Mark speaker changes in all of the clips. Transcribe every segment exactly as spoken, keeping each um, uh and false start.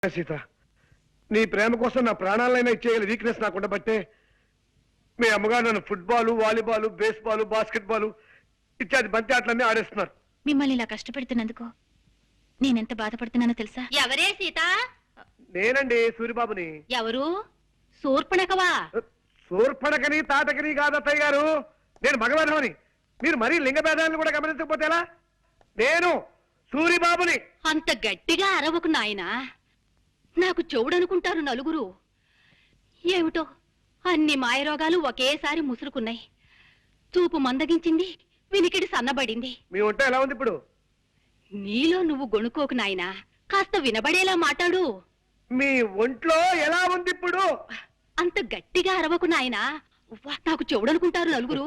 Speaker 1: సీత, నీ ప్రేమ కోసం నా ప్రాణాలైనా ఇచ్చేయాలి వీక్నెస్ నాకు ఉండబట్టే మీ అమ్మగారు నన్ను ఫుట్బాల్, వాలీబాల్, బేస్బాల్, బాస్కెట్బాల్ ఇత్యాది బంతి ఆటలన్నీ ఆడేస్తున్నారు.
Speaker 2: మిమ్మల్ని ఇలా కష్టపెడుతున్నందుకు నేనెంత బాధపడుతున్నానో తెలుసా?
Speaker 3: ఎవరే సీత?
Speaker 1: నేనండి సూరిబాబుని.
Speaker 3: ఎవరు? శూర్పణఖవా?
Speaker 1: శూర్పణఖని తాటకని కాదు అత్తయ్య గారు, నేను మగవేధమని. మీరు మరీ లింగ భేదాలను కూడా గమనించకపోతే ఎలా? నేను సూరిబాబుని.
Speaker 3: అంత గట్టిగా అరవకు నాయనా, నాకు చెవుడనుకుంటారు నలుగురు. ఏమిటో అన్ని మాయరోగాలు ఒకేసారి ముసురుకున్నాయి. చూపు మందగించింది, వినికిడి సన్నబడింది.
Speaker 1: మీ వంట ఎలా ఉంది ఇప్పుడు?
Speaker 3: నీలో నువ్వు గొణుకోకు నాయనా, కాస్త వినబడేలా మాట్లాడు.
Speaker 1: మీ ఒంట్లో ఎలా ఉంది ఇప్పుడు?
Speaker 3: అంత గట్టిగా అరవకు నాయనా, నాకు చెవుడనుకుంటారు నలుగురు.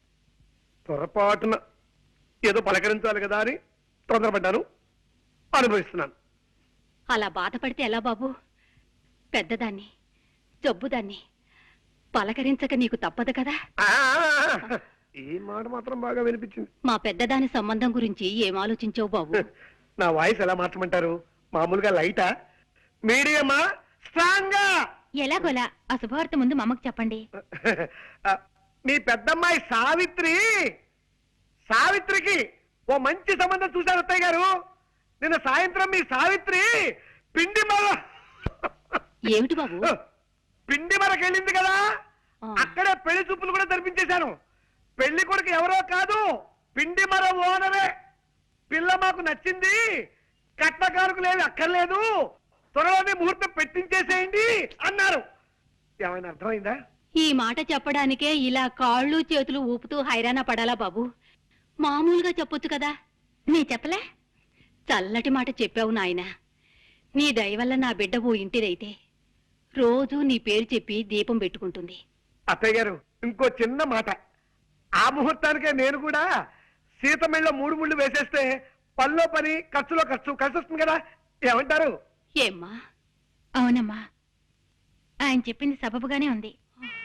Speaker 1: పొరపాటున ఏదో పలకరించాలి కదా అని తొందరపడ్డాను, అనుభవిస్తున్నాను.
Speaker 3: అలా బాధపడితే ఎలా బాబు? పెద్దదాన్ని, జబ్బుదాన్ని పలకరించక నీకు తప్పదు కదా.
Speaker 1: ఈ మాట మాత్రం బాగా వినిపించింది.
Speaker 3: మా పెద్దదాని సంబంధం గురించి ఏం ఆలోచించావు బాబు?
Speaker 1: నా వాయిస్ ఎలా మార్చమంటారు? మామూలుగా లైటా, మీడియమా, స్ట్రాంగా?
Speaker 2: ఎలాగోలా ఆ శుభవార్త ముందు మా అమ్మకు చెప్పండి.
Speaker 1: మీ పెద్దమ్మాయి సావిత్రి, సావిత్రికి ఓ మంచి సంబంధం చూశారు అత్తయ్య గారు. నిన్న సాయంత్రం మీ సావిత్రి పిండి మర
Speaker 3: ఏమిటి బాబు?
Speaker 1: పిండి మరకెళ్ళింది కదా, అక్కడే పెళ్లి చూపులు కూడా జరిపించేశాను. పెళ్లి కొడుకు ఎవరో కాదు, పిండి మర ఓనరే. పిల్ల మాకు నచ్చింది, కట్నకారుకు లేదు అక్కర్లేదు, త్వరలోనే ముహూర్తం పెట్టించేసేయండి అన్నారు. ఏమైనా అర్థమైందా?
Speaker 3: ఈ మాట చెప్పడానికే ఇలా కాళ్ళు చేతులు ఊపుతూ హైరాణ పడాలా బాబు? మామూలుగా చెప్పొచ్చు కదా.
Speaker 2: నీ చెప్పలే?
Speaker 3: చల్లటి మాట చెప్పావు నాయన. నీ దయవల్ల నా బిడ్డ ఓ ఇంటిదైతే రోజూ నీ పేరు చెప్పి దీపం పెట్టుకుంటుంది.
Speaker 1: అత్తయ్య గారు, ఇంకో చిన్న మాట. ఆ ముహూర్తానికే నేను కూడా సీతమెళ్ళ మూడు ముళ్ళు వేసేస్తే పనిలో పని, ఖర్చులో ఖర్చు కలిసి వస్తుంది కదా. ఏమంటారు?
Speaker 3: ఏమ్మా?
Speaker 2: అవునమ్మా, ఆయన చెప్పింది సబబుగానే ఉంది.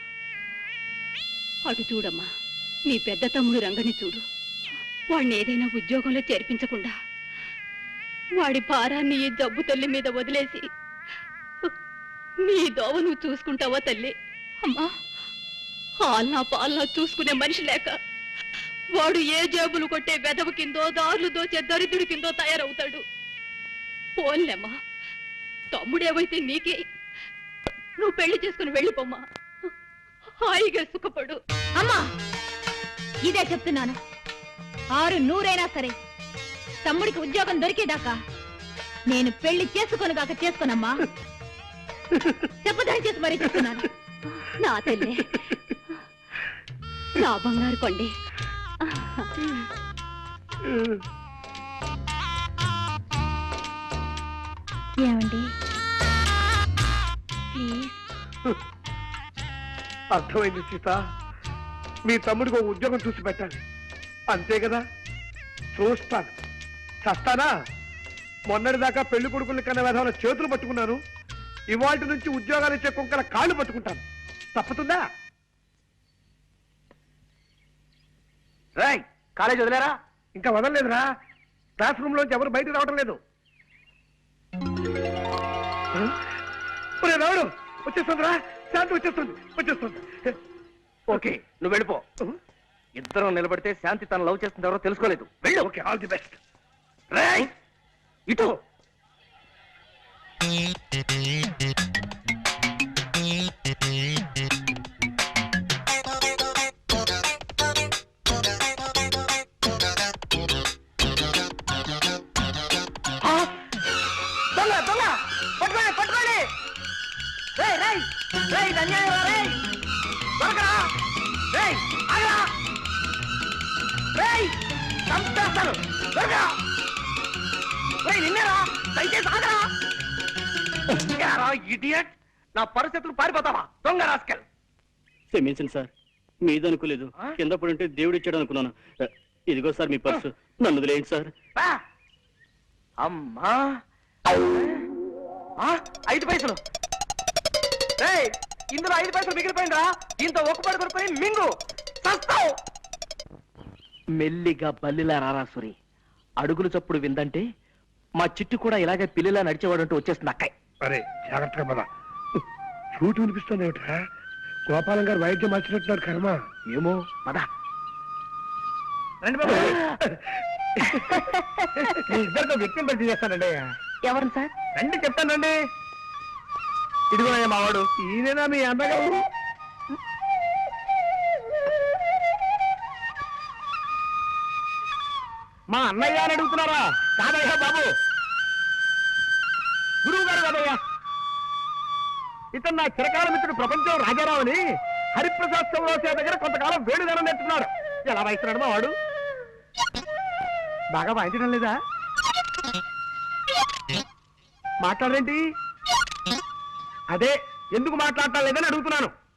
Speaker 3: అటు చూడమ్మా, నీ పెద్ద తమ్ముడు రంగని చూడు. వాడిని ఏదైనా ఉద్యోగంలో చేర్పించకుండా వాడి భారాన్ని ఈ జబ్బు తల్లి మీద వదిలేసి నీ దోవ నువ్వు చూసుకుంటావా తల్లి? అమ్మా, హాల్నా పాలనా చూసుకునే మనిషి లేక వాడు ఏ జేబులు కొట్టే వెదవ కిందో, దారులు దోచే దరిద్రుడి కిందో తయారవుతాడు. పోన్లేమ్మా, తమ్ముడేవైతే నీకే. నువ్వు పెళ్లి చేసుకుని వెళ్ళిపోమ్మా, హాయిగా సుఖపడు.
Speaker 2: అమ్మా, ఇదే చెప్తున్నాను. ఆరు నూరైనా సరే తమ్ముడికి ఉద్యోగం దొరికేదాకా నేను పెళ్లి చేసుకొనుగాక చేసుకోనమ్మా. చెప్పదాని చేసి మరీ చెప్తున్నాను.
Speaker 3: నా తల్లి, నా బంగారు కొండి.
Speaker 2: ఏమండి ప్లీజ్?
Speaker 1: అర్థమైంది సీత, మీ తమ్ముడికి ఒక ఉద్యోగం చూసి పెట్టాలి, అంతే కదా. చూస్తాను, చస్తానా? మొన్నటిదాకా పెళ్లి కొడుకుల కన్నా విధాన చేతులు పట్టుకున్నాను, ఇవాళ నుంచి ఉద్యోగాలు ఇచ్చే కుక్కల కాళ్ళు పట్టుకుంటాను. తప్పుతుందా? రాయ్, కాలేజ్ వదిలేరా? ఇంకా వదలలేదురా. క్లాస్ రూమ్ లోంచి ఎవరు బయటకు రావడం లేదు. రావుడు వచ్చేస్తుందిరా, శాంతి వచ్చేస్తుంది, వచ్చేస్తుంది. ఓకే, నువ్వు వెళ్ళిపో. ఇద్దరం నిలబడితే శాంతి తను లవ్ చేస్తుంది ఎవరో తెలుసుకోలేదు. వెళ్ళు. Okay, all the best. రాయ్ ఇటు. దొంగ దొంగ పట్టుకోండి, పట్టుకోండి. రేయ్ రేయ్ రేయ్, అన్యాయం రేయ్, దొరకరా రేయ్, ఆగరా రేయ్, చంపేస్తాను, దొరకరా రేయ్, నిన్నేరా, దయచేసి ఆగరా. ఇడియట్, నా పరిస్థితులు పారిపోతావా దొంగ రాస్కెల్?
Speaker 4: క్షమించండి సార్, మీదనుకోలేదు. కింద పడుంటే దేవుడు ఇచ్చాడు అనుకున్నాను. ఇదిగో సార్ మీ పర్సు, నన్ను వదిలేయండి సార్.
Speaker 1: అమ్మా, ఐదు పైసలు. ఇందులో ఐదు పైసలు మిగిలిపోయిందా? దీంతో ఒక పడి కొనుక్కొని మింగు చస్తావు.
Speaker 5: మెల్లిగా బల్లిలా రారాసురి, అడుగులు చప్పుడు విందంటే మా చిట్టు కూడా ఇలాగే పిల్లిలా నడిచేవాడంటూ వచ్చేస్తుంది అక్కయ్.
Speaker 1: అరే జాగ్రత్తగా పద. ఫ్లూట్ వినిపిస్తుంది ఏమిటా? గోపాలం గారు వైద్యం మార్చినట్టున్నారు కర్మ. ఏమో పద. రండి బాబు. మీ ఇద్దరితో వ్యక్తిని పరిచయం చేస్తానండి.
Speaker 2: ఎవరు సార్?
Speaker 1: రండి చెప్తానండి. ఇదిగో మావాడు. ఈయనేనా మీ అన్నగారు? మా అన్నయ్య అని అడుగుతున్నారా? కాదయ్యా బాబు, గురువు గారు కాదయ్యా. ఇతను నా చిరకాల మిత్రుడు ప్రపంచం రాజారావు అని హరిప్రసాద్ చౌరాసే దగ్గర కొంతకాలం వేణుగానం నేర్చుకున్నాడు. ఎలా వాయిస్తున్నాడు మా వాడు? బాగా వాయించడం లేదా? మాట్లాడరేంటి? అదే ఎందుకు మాట్లాడటం లేదని అడుగుతున్నాను.